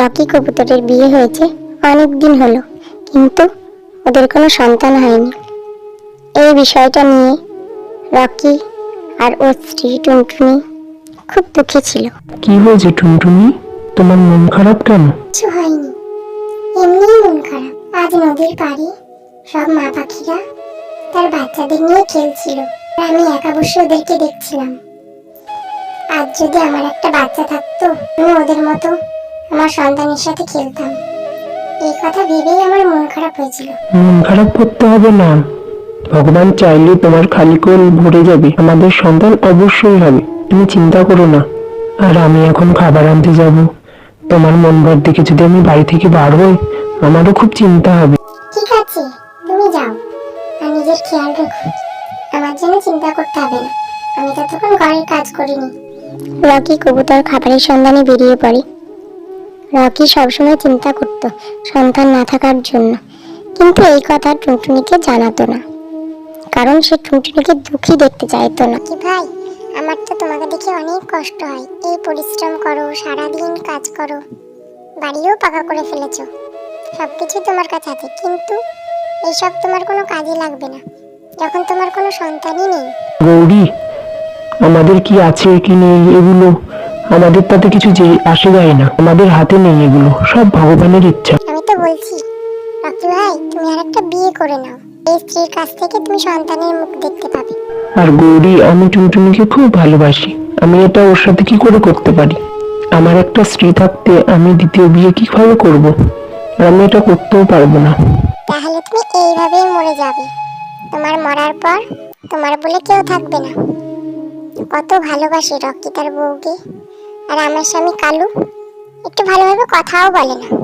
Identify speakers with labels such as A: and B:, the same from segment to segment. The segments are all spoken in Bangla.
A: রকি কবুতরের বিয়ে হয়েছে অনেক দিন হলো, কিন্তু ওদের কোনো সন্তান হয়নি। এই বিষয়টা নিয়ে রকি আর ওর স্ত্রী টুনটুনি খুব দুঃখী ছিল।
B: কি হয়েছে টুনটুনি, তোমার মন খারাপ কেন?
A: কিছু হয়নি, এমনিই মন খারাপ। আজ নদীর পাড়ে সব মা পাখিরা তার বাচ্চাদের নিয়ে খেলছিল, আর আমি একা বসে ওদেরকে দেখছিলাম। আজ যদি আমার একটা বাচ্চা থাকতো, আমি ওদের মতো আমার সন্তানের সাথে খেলতাম। এই কথা ভেবেই আমার মন খারাপ হয়েছিল।
B: মন খারাপ করতে হবে না, ভগবান চাইলে তোমার খালি কোল ভরে যাবে, আমাদের সন্তান অবশ্যই হবে, তুমি চিন্তা করো না। আর আমি এখন খাবার আনতে যাব, তোমার মন ভর দেখে যদি আমি বাড়ি থেকে বার হই, আমারও খুব চিন্তা হবে।
A: ঠিক আছে, তুমি যাও আর নিজের খেয়াল রেখো। আমার জন্য চিন্তা করতে হবে না, আমি ততক্ষণ ঘরের কাজ করিনি। রকি কবুতর খাবারের সন্ধানে বেরিয়ে পড়ে। রকি সবসময় চিন্তা করত সন্তান না থাকার জন্য, কিন্তু এই কথা টুনটুনিকে জানাতো না, কারণ সে টুনটুনিকে দুঃখী দেখতে চাইতো না। কি ভাই, আমার তো তোমাকে দেখে অনেক কষ্ট হয়। এই পরিশ্রম করো, সারাদিন কাজ করো, বাড়িও পাকা করে ফেলেছো, সবকিছু তোমার কাছে আছে, কিন্তু এইসব তোমার কোনো কাজে লাগবে না যখন তোমার কোনো সন্তানই নেই।
B: গৌরী, আমাদের কি আছে কি নেই এগুলো আমাদের তাতে কিছু যে আসে যায় না, আমাদের হাতে নেই, এগুলো সব ভগবানের ইচ্ছা।
A: আমি তো বলছি রকি ভাই, তুমি আর একটা বিয়ে করে নাও, এই স্ত্রীর কাছ থেকে তুমি সন্তানের মুখ দেখতে পাবে।
B: আর গৌরী, আমি টুনটুনিকে খুব ভালোবাসি, আমি এটা ওর সাথে কি করে করতে পারি? আমার একটা স্ত্রী থাকতে আমি দ্বিতীয় বিয়ে কিভাবে করব? আর আমি এটা করতেও পারবো না।
A: তাহলে তুমি এইভাবেই মরে যাবে, তোমার মরার পর তোমার বলে কেউ থাকবে না। কত ভালোবাসে রকি তার বউকে, আর আমার স্বামী কালু একটু ভালোভাবে কথাও বলে না।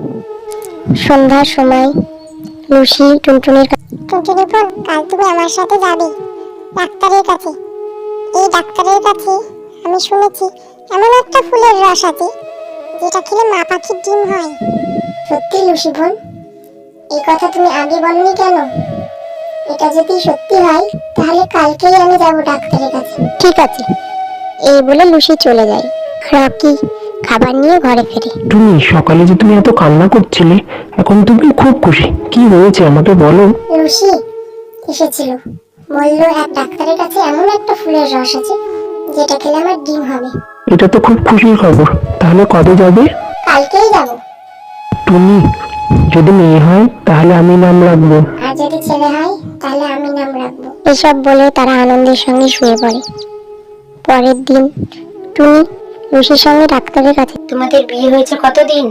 A: সন্ধ্যার সময় লুসি টুনটুনির টুনটুনি বোন, কাল তুমি আমার সাথে যাবে ডাক্তারের কাছে। এই ডাক্তারের কাছে আমি শুনেছি এমন একটা ফুলের রস আছে যেটা খেলে মা পাখির ডিম হয়। সত্যি লুসি বোন, এই কথা তুমি আগে বলনি কেন? এটা যদি সত্যি হয় তাহলে কালকেই আমি যাব ডাক্তারের কাছে। ঠিক আছে, এই বলে লুসি চলে যায়। রকি খাবার নিয়ে ঘরে ফেরে।
B: তুমি সকালে যে তুমি এত কান্না করছিলে, এখন তুমি খুব খুশি, কি হয়েছে আমাকে বলো?
A: লুসি এসেছিল, বললো এক ডাক্তারের কাছে এমন একটা ফুলের রস আছে যেটা খেলে আমার ডিম হবে।
B: এটা তো খুব খুশির খবর, তাহলে কবে যাবে?
A: কালকেই যাব।
B: তুমি যদি মেয়ে হয় তাহলে আমি নাম রাখবো,
A: আর যদি ছেলে হয় তাহলে আমি নাম রাখবো। এসব বলে তারা আনন্দের সঙ্গে শুয়ে পড়ে। পরের দিন টুনি লুসির সঙ্গে ডাক্তারের কাছে।
C: তোমাদের বিয়ে হয়েছে কতদিন?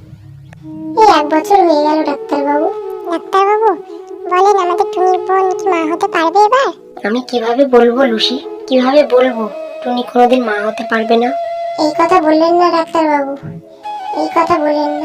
A: এই 1 বছর হয়ে গেল ডাক্তারবাবু। ডাক্তারবাবু বলেন, আমাদের টুনির বোন কি মা হতে পারবে এবার?
C: আমি কিভাবে বলবো লুসি, কিভাবে বলবো টুনি কোনোদিন মা হতে পারবে না?
A: এই কথা বললেন না ডাক্তারবাবু, এই কথা বললেন না।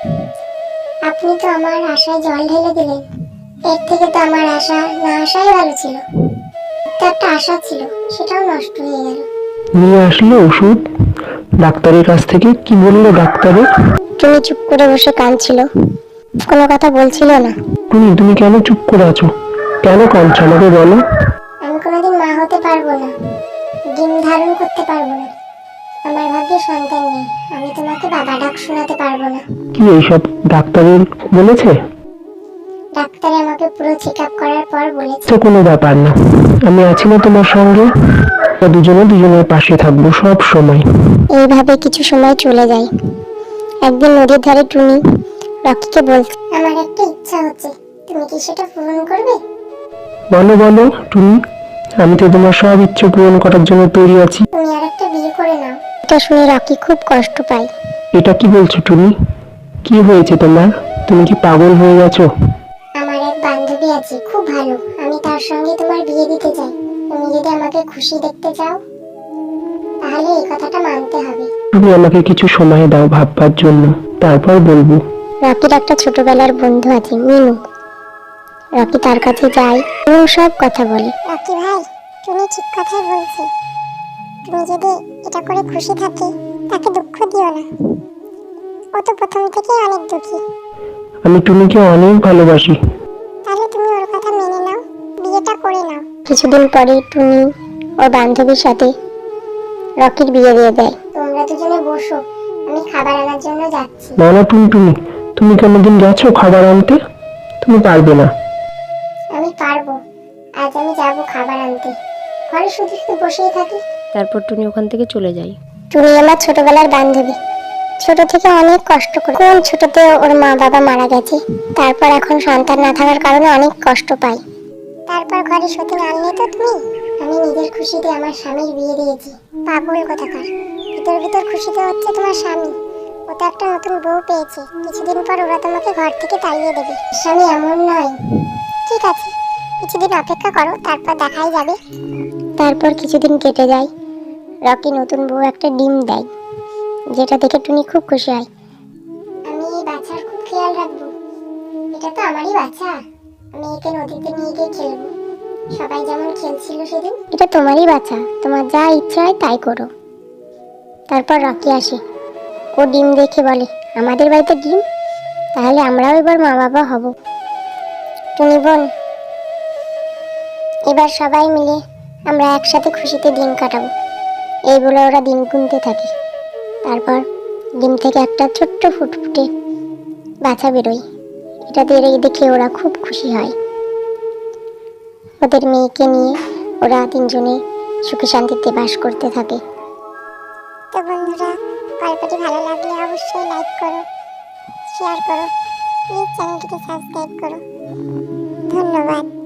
A: আপনি তো আমার আশায় জল ঢেলে দিলেন। এর থেকে তো আমার আশা না আসাই ভালো ছিল। তো একটা আশা ছিল, সেটাও নষ্ট হয়ে গেল।
B: নিয়ে আসলো ওষুধ ডাক্তারের কাছ থেকে? কি বললো ডাক্তারে?
A: টুনি চুপ করে বসে কাঁদছিল, কোনো কথা বলছিল না।
B: তুমি কেন চুপ করে আছো? কেন কাঁদছো আমাকে বলো?
A: আমি কোনোদিন মা হতে পারবো না, ডিম ধারণ করতে পারবো না, আমার ভাগ্যে সন্তান নেই, আমি তোমাকে বাবা ডাক শোনাতে পারবো না।
B: কি এইসব ডাক্তারের বলেছে?
A: ডাক্তার আমাকে পুরো চেক আপ করার পর বলেছে
B: তো কোনো ব্যাপার না, আমি আছি না তোমার সঙ্গে, দুজনে দুজনের পাশে থাকবো সব সময়।
A: এইভাবে কিছু সময় চলে যায়। একদিন নদীর ধারে টুনি রকিকে বলছে, আমার একটা ইচ্ছা হচ্ছে, তুমি কি সেটা পূরণ করবে?
B: বলো বলো টুনি, আমি তো তোমার সব ইচ্ছে পূরণ করার জন্য তৈরি আছি।
A: তুমি আর একটা বিয়ে করে নাও। এটা শুনে রকি খুব কষ্ট পায়।
B: এটা কি বলছো টুনি? কি হয়েছে তোমার? তুমি কি পাগল হয়ে গেছো?
A: আমার এক বান্ধবী আছে খুব ভালো, আমি তার সঙ্গে তোমার বিয়ে দিতে চাই। তুমি যদি আমাকে খুশি দেখতে চাও তাহলে এই কথাটা মানতে হবে।
B: তুমি আমাকে কিছু সময় দাও ভাববার জন্য, তারপর বলবো।
A: রকির একটা ছোটবেলার বন্ধু আছে মিনু। রকি তার কাছে যায় এবং সব কথা বলে। রকি ভাই, তুমি ঠিক কথাই বলছে, তুমি যদি এটা করে খুশি থাকে তাকে দুঃখ দিও না, ও তো প্রথম থেকেই অনেক দুঃখী।
B: আমি টুনিকে অনেক ভালোবাসি।
A: তাহলে তুমি ওর কথা মেনে নাও, বিয়েটা করে নাও। কিছুদিন পরে টুনি ওর বান্ধবীর সাথে রকির বিয়ে দিয়ে দেয়। তোমরা দুজনে বসো, আমি খাবার আনার জন্য যাচ্ছি।
B: না না টুনটুনি, তুমি কোনোদিন গেছো খাবার আনতে? তুমি পারবে না।
A: আমি পারবো, আজ আমি যাব খাবার আনতে। ঘরে শুধু শুধু বসেই থাকি।
D: তারপর টুনি ওখান থেকে চলে যায়।
A: টুনি আমার ছোটবেলার বান্ধবী। ছোট থেকে অনেক কষ্ট করে, কোন ছোটতে ওর মা বাবা মারা গেছে, তারপর এখন সন্তান না থাকার কারণে অনেক কষ্ট পাই। তারপর ঘরে সত্যি আনলে তো তুমি। আমি নিজের খুশিতে আমার স্বামীর বিয়ে দিয়েছি। পাগল কোথাকার, ভিতর ভিতর খুশিতে হচ্ছে তোমার স্বামী। ও তো একটা নতুন বউ পেয়েছে, কিছুদিন পর ওরা তোমাকে ঘর থেকে তাড়িয়ে দেবে। স্বামী এমন নয়। ঠিক আছে, কিছুদিন অপেক্ষা করো, তারপর দেখাই যাবে। তারপর কিছুদিন কেটে যায়। রকি নতুন বউ একটা ডিম দেয়, যেটা দেখে টুনি খুব খুশি হয়। আমি এই বাচ্চার খুব খেয়াল রাখবো। এটা তো আমারই বাচ্চা, আমি একে নদীতে নিয়ে গিয়ে খেলবো, সবাই যেমন খেলছিল সেদিন। এটা তোমারই বাচ্চা, তোমার যা ইচ্ছা হয় তাই করো। তারপর রকি আসে। ও ডিম দেখে বলে, আমাদের বাড়িতে ডিম, তাহলে আমরাও এবার মা বাবা হব। টুনি বোন, এবার সবাই মিলে আমরা একসাথে খুশিতে দিন কাটাবো। এই বলে ওরা দিন গুনতে থাকে। তারপর ডিম থেকে একটা ছোট্ট ফুটফুটে বাচ্চা বেরোয়। এটা দেখে ওরা খুব খুশি হয়। ওদের মেয়েকে নিয়ে ওরা তিনজনে সুখে শান্তিতে বাস করতে থাকে। তো বন্ধুরা, গল্পটি ভালো লাগলে অবশ্যই লাইক করো, শেয়ার করো, প্লিজ চ্যানেলটিকে সাবস্ক্রাইব করো। ধন্যবাদ।